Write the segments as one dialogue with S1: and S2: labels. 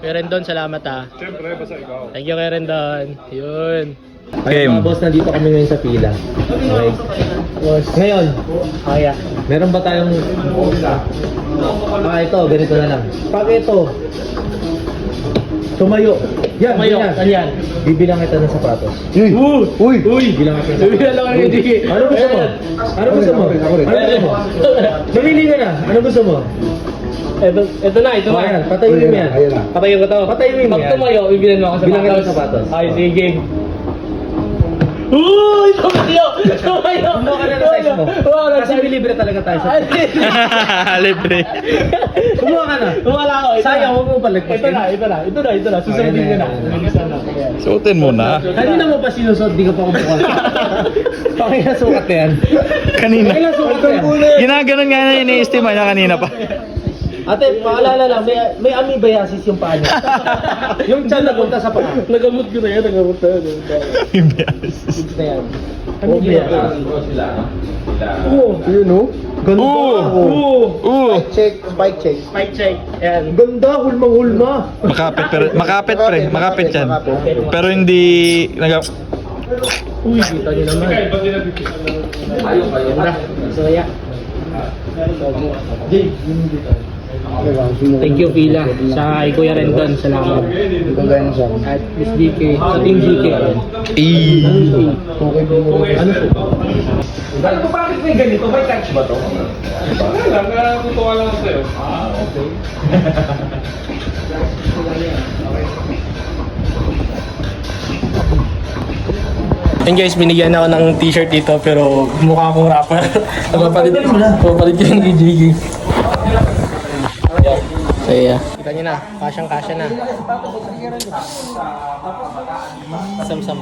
S1: Kuya Rendon, salamat ah.
S2: Siyempre, basta ikaw.
S1: Thank you Kuya Rendon. Yun.
S3: Okay, mga boss, nandito kami ngayon sa pila. Okay. Boss, ngayon, kaya, meron ba tayong... ito, ganito na lang. Pag ito, tumayo. Yan,
S1: Tumayo,
S3: yan.
S1: ano yan?
S3: Bibilang kita ng sapatos.
S1: Uy!
S3: Bibilang kita ng sapatos.
S1: Bibilang lang kami, Jiggy.
S3: Ano gusto mo? Ano gusto mo? Ano gusto mo? Mamili ka na. Ano gusto mo?
S1: Ito na.
S3: Oh, ayan, patayin mo yan.
S1: Patayin ko to.
S3: Patayin mo yan.
S1: Pag tumayo, bibilan mo ako sa
S3: Bilang kita
S1: sapatos.
S3: ng sapatos.
S1: Ay, sige. Uy! Tumayo! Tumayo!
S3: Kumuha ka na ng size mo.
S1: Kumuha ka na
S3: Kasi libre talaga tayo sa...
S1: Libre.
S3: Kumuha ka na.
S1: Wala ako.
S3: Sayang, huwag mo palagpasin.
S1: Ito na. Susundin ko na.
S4: Suotin mo na.
S3: Kanina mo pa sinusot, di ka pa kumukha. Pakailan sukat na yan.
S4: Kanina.
S3: Pakailan sukat na yan.
S4: Ginaganon nga na ini-estima niya kanina pa.
S3: Ate, paalala lang, may amoebiasis yung paa niya. Yung tiyan napunta sa paa.
S1: Nagamot ko na yan.
S4: Imbias.
S3: Na yan. Amoebiasis. Oo, yun o. Ganda. Spike check.
S1: Spike check. Ayan.
S3: Ganda, hulmang-hulma.
S4: Makapit yan. Pero hindi
S1: Uy, kita nyo naman. Ganda. Saya. Thank you Pila sa Kuya Rendon, salamat. At Miss GK, sa Team GK. Ano po?
S2: Alam mo bakit may ganito? May catch ba to? Wala lang, natutuwa lang ako sa'yo. Okay.
S1: And guys, binigyan ako ng t-shirt dito pero mukha akong rapper. Napapalit ko yung GG. So yeah. Kita nyo na, kasyang-kasya na. Sam-sam.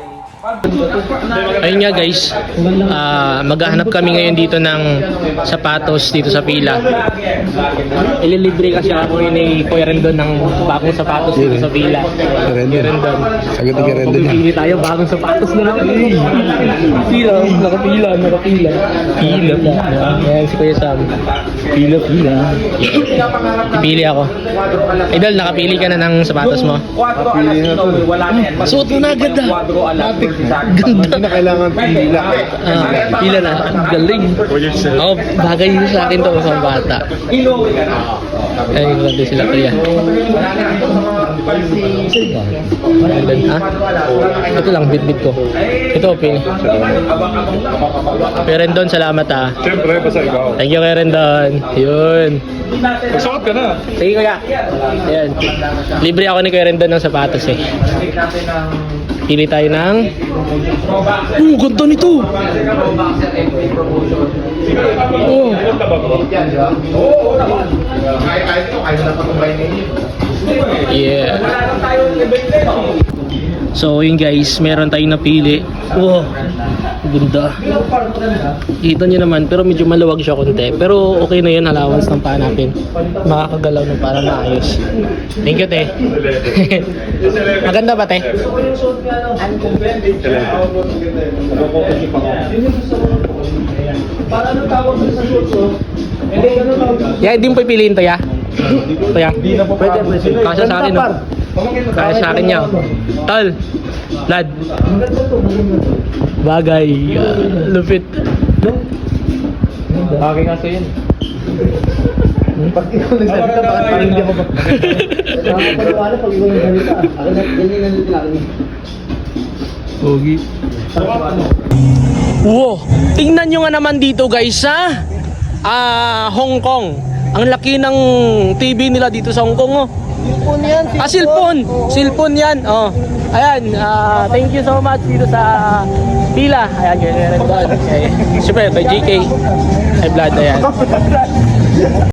S1: Ayun nga guys, maghahanap kami ngayon dito ng sapatos dito sa pila. Ililibre kasi ako ni Kuya Rendon ng bagong sapatos dito sa pila. Kuya Rendon.
S4: Agad ni Kuya Rendon yan.
S1: Pili tayo bagong sapatos na lang. Pila. Ayan si Kuya Sam. Pila. Pili ako. Idol, nakapili ka na ng sapatos mo?
S2: Napili na to.
S1: Suot mo na agad ah. Ganda.
S2: Hindi na kailangan pila.
S1: Pila na. Ang galing. Oo, bagay yun sa akin to sa bata. Ay, ganda sila kuya. Ha? Ito lang, bit ko. Ito, pili. Kuya Rendon, salamat ah.
S2: Siyempre, basta ikaw.
S1: Thank you Kuya Rendon. Yun.
S2: Magsuot ka na.
S1: Sige kuya. Ayan. Libre ako ni Kuya Rendon ng sapatos eh. Pili tayo ng... ganda nito! Oh. Yeah. So yun guys, meron tayong napili. Wow, ganda. Kita nyo naman, pero medyo maluwag siya konti. Pero okay na yun, allowance ng paa natin. Makakagalaw ng para maayos. Thank you, te. Maganda ba, te? Yeah, hindi mo pipiliin to, ya? Ito, ya? Pwede. Kasya sa akin, no? Kaya sa akin niya. Tol. Lad. Bagay. Lupit.
S3: Bagay nga sa'yo yun. Pag ikaw nagsalita, bakit parang hindi ako nakapagpapala pag ikaw nagsalita. Akin na, ganyan na nito natin.
S1: Pogi. Wow. Tingnan nyo nga naman dito guys sa Hong Kong. Ang laki ng TV nila dito sa Hong Kong, oh.
S3: Cellphone yan,
S1: Cellphone. Cellphone yan. Oh. Ayan, thank you so much dito sa pila. Ayan, ganyan rin doon. Siyempre, by GK. Ay, Vlad, ayan.